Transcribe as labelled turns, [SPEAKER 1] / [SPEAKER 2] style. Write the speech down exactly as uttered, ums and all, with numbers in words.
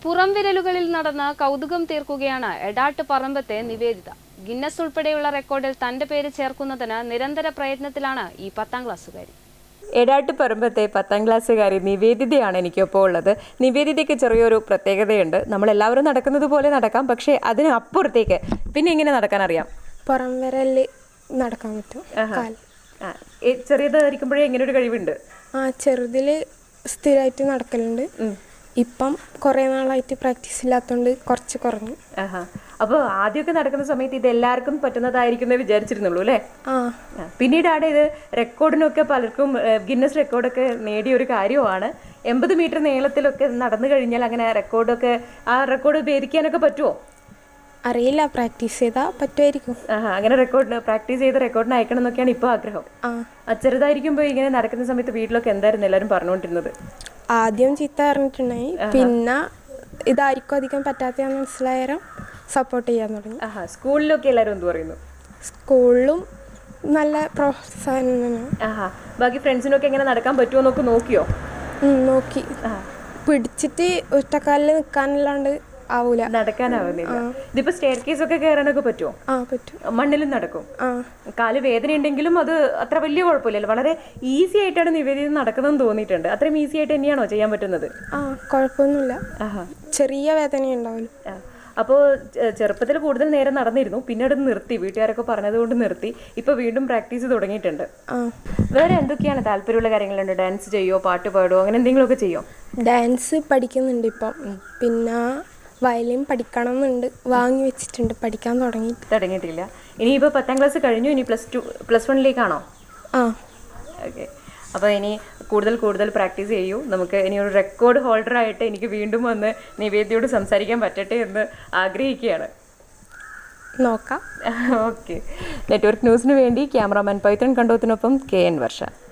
[SPEAKER 1] പുറംവിരലുകളിൽ നടന്ന് കൗതുകം തീർക്കുകയാണ് എടാട്ട് പറമ്പത്തെ നിവേദിത. ഗിന്നസ് ഉൾപ്പെടെയുള്ള റെക്കോർഡിൽ തന്റെ പേര് ചേർക്കുന്നതിന് നിരന്തര പ്രയത്നത്തിലാണ് ഈ പത്താം ക്ലാസ്സുകാരി.
[SPEAKER 2] എടാട്ട് പറമ്പത്തെ പത്താം ക്ലാസ്സുകാരി നിവേദിതയാണ് എനിക്കൊപ്പം ഉള്ളത്. നിവേദിതയ്ക്ക് ചെറിയൊരു പ്രത്യേകതയുണ്ട്. നമ്മളെല്ലാവരും നടക്കുന്നത് പോലെ നടക്കാം, പക്ഷേ അതിന് അപ്പുറത്തേക്ക് പിന്നെ എങ്ങനെ നടക്കാൻ അറിയാം?
[SPEAKER 3] പുറം വിരലിൽ നടക്കാൻ പറ്റും.
[SPEAKER 2] ചെറിയതായിരിക്കുമ്പോഴേ എങ്ങനെ ഒരു കഴിവുണ്ട്?
[SPEAKER 3] ആ ചെറുതിൽ സ്ഥിരമായിട്ട് നടക്കലുണ്ട്. ഇപ്പം കുറേ നാളായിട്ട് പ്രാക്ടീസ് ഇല്ലാത്തതുകൊണ്ട് കുറച്ച് കുറഞ്ഞു.
[SPEAKER 2] അപ്പോൾ ആദ്യമൊക്കെ നടക്കുന്ന സമയത്ത് ഇത് എല്ലാവർക്കും പറ്റുന്നതായിരിക്കും എന്ന് വിചാരിച്ചിരുന്നുള്ളൂ അല്ലേ?
[SPEAKER 3] ആ
[SPEAKER 2] പിന്നീടാണ് ഇത് റെക്കോർഡിനൊക്കെ പലർക്കും ഗിന്നസ് റെക്കോർഡൊക്കെ നേടിയ ഒരു കാര്യമാണ്. എൺപത് മീറ്റർ നീളത്തിലൊക്കെ നടന്നു കഴിഞ്ഞാൽ അങ്ങനെ റെക്കോർഡൊക്കെ ആ റെക്കോർഡ് ഭേദിക്കാനൊക്കെ പറ്റുമോ?
[SPEAKER 3] അറിയില്ല, പ്രാക്ടീസ് ചെയ്താൽ പറ്റുമായിരിക്കും.
[SPEAKER 2] അങ്ങനെ റെക്കോർഡ് പ്രാക്ടീസ് ചെയ്ത് റെക്കോർഡിന് അയക്കണം എന്നൊക്കെയാണ് ഇപ്പോൾ ആഗ്രഹം.
[SPEAKER 3] ആ
[SPEAKER 2] ചെറുതായിരിക്കുമ്പോൾ ഇങ്ങനെ നടക്കുന്ന സമയത്ത് വീട്ടിലൊക്കെ എന്തായിരുന്നു എല്ലാവരും പറഞ്ഞുകൊണ്ടിരുന്നത്?
[SPEAKER 3] ആദ്യം ചീത്ത പറഞ്ഞിട്ടുണ്ടായി, പിന്നെ ഇതായിരിക്കും അധികം പറ്റാത്തതാണെന്ന് മനസ്സിലായാലും സപ്പോർട്ട് ചെയ്യാൻ തുടങ്ങി.
[SPEAKER 2] സ്കൂളിലൊക്കെ എല്ലാവരും എന്ത് പറയുന്നു?
[SPEAKER 3] സ്കൂളിലും നല്ല പ്രോത്സാഹനം തന്നെ.
[SPEAKER 2] ബാക്കി ഫ്രണ്ട്സിനൊക്കെ എങ്ങനെ നടക്കാൻ പറ്റുമോ എന്നൊക്കെ നോക്കിയോ?
[SPEAKER 3] നോക്കി. പിടിച്ചിട്ട് ഒറ്റക്കാലിൽ നിൽക്കാനല്ലാണ്ട് ആവൂല,
[SPEAKER 2] നടക്കാനാവുന്നില്ല. ഇതിപ്പോ സ്റ്റെയർ കേസ് ഒക്കെ കയറാനൊക്കെ പറ്റുമോ?
[SPEAKER 3] ആ പറ്റും.
[SPEAKER 2] മണ്ണിലും നടക്കും. കാല് വേദന ഉണ്ടെങ്കിലും അത് അത്ര വലിയ കുഴപ്പമില്ലല്ലോ. വളരെ ഈസി ആയിട്ടാണ് നിവേദിത നടക്കുന്നതെന്ന് തോന്നിയിട്ടുണ്ട്. അത്രയും ഈസി ആയിട്ട് തന്നെയാണോ ചെയ്യാൻ പറ്റുന്നത്?
[SPEAKER 3] ആ കുഴപ്പമൊന്നുമില്ല, ചെറിയ വേദന ഉണ്ടാവില്ല.
[SPEAKER 2] അപ്പോൾ ചെറുപ്പത്തിൽ കൂടുതൽ നേരം നടന്നിരുന്നു, പിന്നീട് നിർത്തി, വീട്ടുകാരൊക്കെ പറഞ്ഞത് കൊണ്ട് നിർത്തി. ഇപ്പൊ വീണ്ടും പ്രാക്ടീസ് തുടങ്ങിയിട്ടുണ്ട്. വേറെ എന്തൊക്കെയാണ് താല്പര്യമുള്ള കാര്യങ്ങളുണ്ട്? ഡാൻസ് ചെയ്യോ, പാട്ട് പാടുമോ, അങ്ങനെ എന്തെങ്കിലുമൊക്കെ ചെയ്യോ?
[SPEAKER 3] ഡാൻസ് പഠിക്കുന്നുണ്ട് ഇപ്പം. പിന്നെ വയലിൻ പഠിക്കണം എന്നുണ്ട്, വാങ്ങി വെച്ചിട്ടുണ്ട്, പഠിക്കാൻ തുടങ്ങി
[SPEAKER 2] തുടങ്ങിയിട്ടില്ല. ഇനിയിപ്പോൾ പത്താം ക്ലാസ് കഴിഞ്ഞു, ഇനി പ്ലസ് ടു പ്ലസ് വണ്ണിലേക്കാണോ?
[SPEAKER 3] ആ
[SPEAKER 2] ഓക്കെ. അപ്പോൾ ഇനി കൂടുതൽ കൂടുതൽ പ്രാക്ടീസ് ചെയ്യൂ. നമുക്ക് ഇനി ഒരു റെക്കോർഡ് ഹോൾഡർ ആയിട്ട് എനിക്ക് വീണ്ടും വന്ന് നിവേദിയോട് സംസാരിക്കാൻ പറ്റട്ടെ എന്ന് ആഗ്രഹിക്കുകയാണ്.
[SPEAKER 3] നോക്കാം.
[SPEAKER 2] ഓക്കെ. നെറ്റ്വർക്ക് ന്യൂസിന് വേണ്ടി ക്യാമറാമാൻ പൈത്തൺ കണ്ടോത്തിനൊപ്പം കെ എൻ വർഷ.